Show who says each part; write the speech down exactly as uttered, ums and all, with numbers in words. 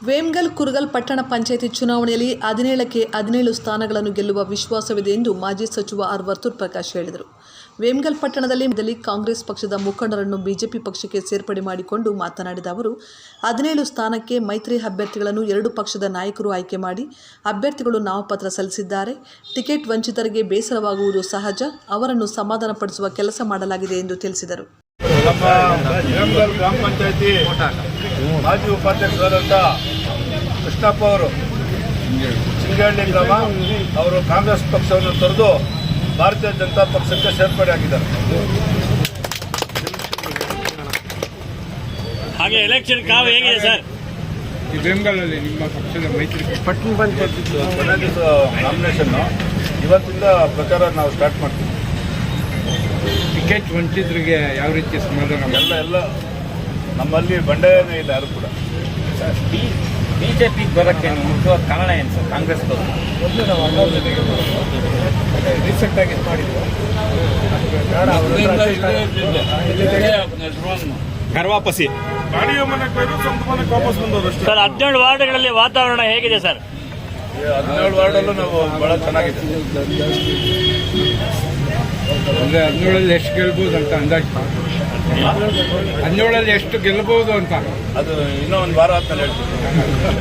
Speaker 1: ವೇಮಗಲ್ ಕುರುಗಲ್ ಪಟ್ಟಣ ಪಂಚಾಯಿತಿ ಚುನಾವಣೆಯಲ್ಲಿ ಹದಿನೇಳಕ್ಕೆ ಹದಿನೇಳು ಸ್ಥಾನಗಳನ್ನು ಗೆಲ್ಲುವ ವಿಶ್ವಾಸವಿದೆ ಎಂದು ಮಾಜಿ ಸಚಿವ ಆರ್ ವರ್ತೂರ್ ಪ್ರಕಾಶ್ ಹೇಳಿದರು. ವೇಮಗಲ್ ಪಟ್ಟಣದಲ್ಲಿ ಕಾಂಗ್ರೆಸ್ ಪಕ್ಷದ ಮುಖಂಡರನ್ನು ಬಿಜೆಪಿ ಪಕ್ಷಕ್ಕೆ ಸೇರ್ಪಡೆ ಮಾಡಿಕೊಂಡು ಮಾತನಾಡಿದ ಅವರು, ಹದಿನೇಳು ಸ್ಥಾನಕ್ಕೆ ಮೈತ್ರಿ ಅಭ್ಯರ್ಥಿಗಳನ್ನು ಎರಡು ಪಕ್ಷದ ನಾಯಕರು ಆಯ್ಕೆ ಮಾಡಿ ಅಭ್ಯರ್ಥಿಗಳು ನಾಮಪತ್ರ ಸಲ್ಲಿಸಿದ್ದಾರೆ. ಟಿಕೆಟ್ ವಂಚಿತರಿಗೆ ಬೇಸರವಾಗುವುದು ಸಹಜ. ಅವರನ್ನು ಸಮಾಧಾನಪಡಿಸುವ ಕೆಲಸ ಮಾಡಲಾಗಿದೆ ಎಂದು ತಿಳಿಸಿದರು.
Speaker 2: ನಮ್ಮ ವೇಮಗಲ್ ಗ್ರಾಮ ಪಂಚಾಯತಿ ಮಾಜಿ ಉಪಾಧ್ಯಕ್ಷರಾದಂಥ ಕೃಷ್ಣಪ್ಪ ಅವರು ಚಿಂಗಳ್ಳಿ ಗ್ರಾಮ ಅವರು ಕಾಂಗ್ರೆಸ್ ಪಕ್ಷವನ್ನು ತೊರೆದು ಭಾರತೀಯ ಜನತಾ ಪಕ್ಷಕ್ಕೆ ಸೇರ್ಪಡೆ ಆಗಿದ್ದಾರೆ.
Speaker 3: ಹಾಗೆ ಎಲೆಕ್ಷನ್ ಕಾವು ಹೇಗಿದೆ ಸರ್?
Speaker 4: ಈ ವೇಮಗಲಲ್ಲಿ ನಿಮ್ಮ ಪಕ್ಷದ ಮೈತ್ರಿ
Speaker 2: ಪಟ್ಟಣ ಪಂಚಾಯತಿ ಕೊನೆ ದಿವಸ ನಾಮಿನೇಷನ್ ಇವತ್ತಿಂದ ಪ್ರಚಾರ ನಾವು ಸ್ಟಾರ್ಟ್ ಮಾಡ್ತೀವಿ.
Speaker 4: ಟಿಕೆಟ್ ವಂಚಿತರಿಗೆ ಯಾವ ರೀತಿ ಸಮಾಧಾನ?
Speaker 2: ಎಲ್ಲ ಎಲ್ಲ ನಮ್ಮಲ್ಲಿ ಬಂಡಾಯನೇ ಇಲ್ಲ ಯಾರು ಕೂಡ.
Speaker 3: ಬಿಜೆಪಿಗೆ ಬರೋಕ್ಕೆ ಮುಖ್ಯವಾದ ಕಾರಣ ಏನು ಸರ್? ಕಾಂಗ್ರೆಸ್
Speaker 2: ಒಂದು ನಾವು ರೀಸೆಂಟ್ ಆಗಿ ಇದು ಮಾಡಿದ್ವಿ.
Speaker 3: ಕರ್ವಾಪಸಿ
Speaker 2: ಗಾಡಿಯ ಮನೆಗೆ ಹೋಯ್ತು, ಸ್ವಂತ ಮನೆಗೆ ವಾಪಸ್ ಬಂದವರು ಅಷ್ಟೇ.
Speaker 3: ಸರ್, ಹದಿನೇಳು ವಾರ್ಡ್ಗಳಲ್ಲಿ ವಾತಾವರಣ ಹೇಗಿದೆ ಸರ್?
Speaker 2: ಹದಿನೇಳು ವಾರ್ಡಲ್ಲೂ ನಾವು ಬಹಳ ಚೆನ್ನಾಗಿದೆ.
Speaker 4: ಅಂದರೆ ಹದಿನೇಳಲ್ಲಿ ಎಷ್ಟು ಗೆಲ್ಬೋದು ಅಂತ ಅಂದಾಜು? ಹದಿನೇಳಲ್ಲಿ ಎಷ್ಟು ಗೆಲ್ಲಬಹುದು ಅಂತ
Speaker 2: ಅದು ಇನ್ನೂ ಒಂದು ವಾರ ಆದ್ಮೇಲೆ ಹೇಳ್ತೀವಿ.